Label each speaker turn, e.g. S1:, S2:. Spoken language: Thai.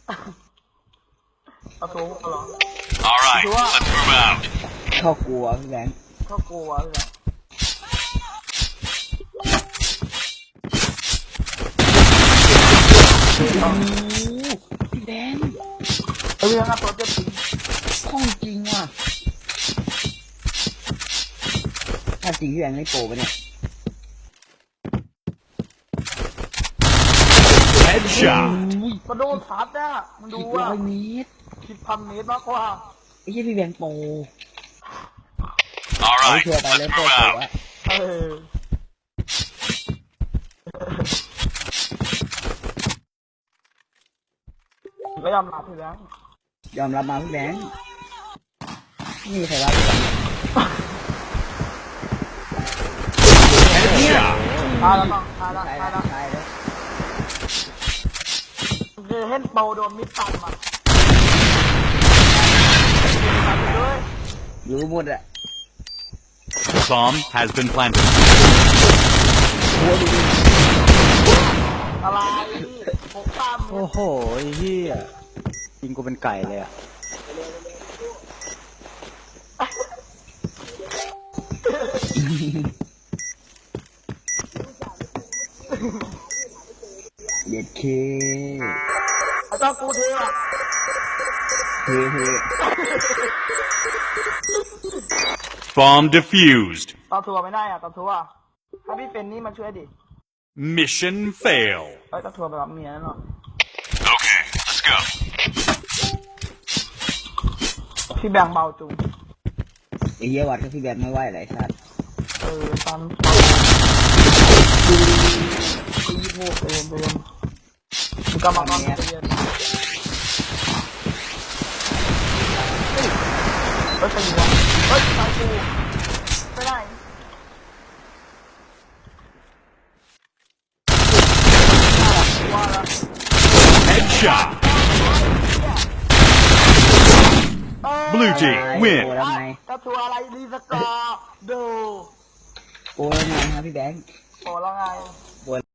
S1: เอาตัวเหรอ
S2: All right, let's move out.
S3: เข้ากลัวพี่แบงค์
S1: เขากลัวเลย
S3: พี่แบงค์
S1: เฮ้ยยังไงตัวเจ็บจริง
S3: ข้องจริงว่ะถ้าจริงพี่แบงค์ไม่โปรปะเนี่ย
S2: Headshot.
S1: กระโดดทัดเนี่ยมันดู
S3: 10
S1: อ่ะ
S3: เมตร
S1: 10,000 เมตรมากกว่า
S3: ไอ้เหี้ยพี่แบงค์โปร
S2: All
S3: เอา
S2: right,
S3: เชื่อไป
S2: let's
S3: แล้วโปร
S2: move
S3: โปร
S2: out.
S3: อะ
S1: เออก็ยอมรับพี่แบงค์
S3: ยอมรับมาพี่แบงค์นี่ใครว่าพี่แบงค์
S2: Headshot.
S1: ตายแล้วต้องตายแล้ว
S3: ใช่
S1: ตาย
S3: แล้
S1: แล้ว ว
S3: ใช่แล้ว
S1: คือเห็นโปโดนมิดตันมาด้วย
S3: รู้หมดอะ
S2: Bomb has been planted.
S1: อะไรผมตาม
S4: โอ้โหไอ้เหี้ยยิงกูเป็นไก่เลยอ่ะ
S3: เด็ดเค
S1: ไอ้เจ้ากูเทอ่ะ
S3: เฮ้เฮ้
S2: Bomb defused.
S1: ต่อทัวร์ไม่ได้อ่ะต่อทัวร์ถ้าพี่เป็นนี่มาช่วยดิ
S2: Mission fail.
S1: ไอ้ต่อทัวร์ไปรับเมียนั่นหรอ
S2: Okay, let's go.
S1: พี่แบงเบาจุง
S3: ไอ้เหี้ยวัดกับพี่แบงค์ไม่ไหวไรสัตว์
S1: ตันตีโมกเองมึงกำลังนอนเย็นเฮ้ยไปยิงวะเฮ้ยตายกูไม่ได้ว่าละ
S2: Headshot. Blue team
S3: โปร
S2: win.
S3: แล้วไง
S1: กระทัวอะไรรีสกอร์ดู
S3: โปรแล้วไงครับพี่แบงค์
S1: โอ้แล้วไง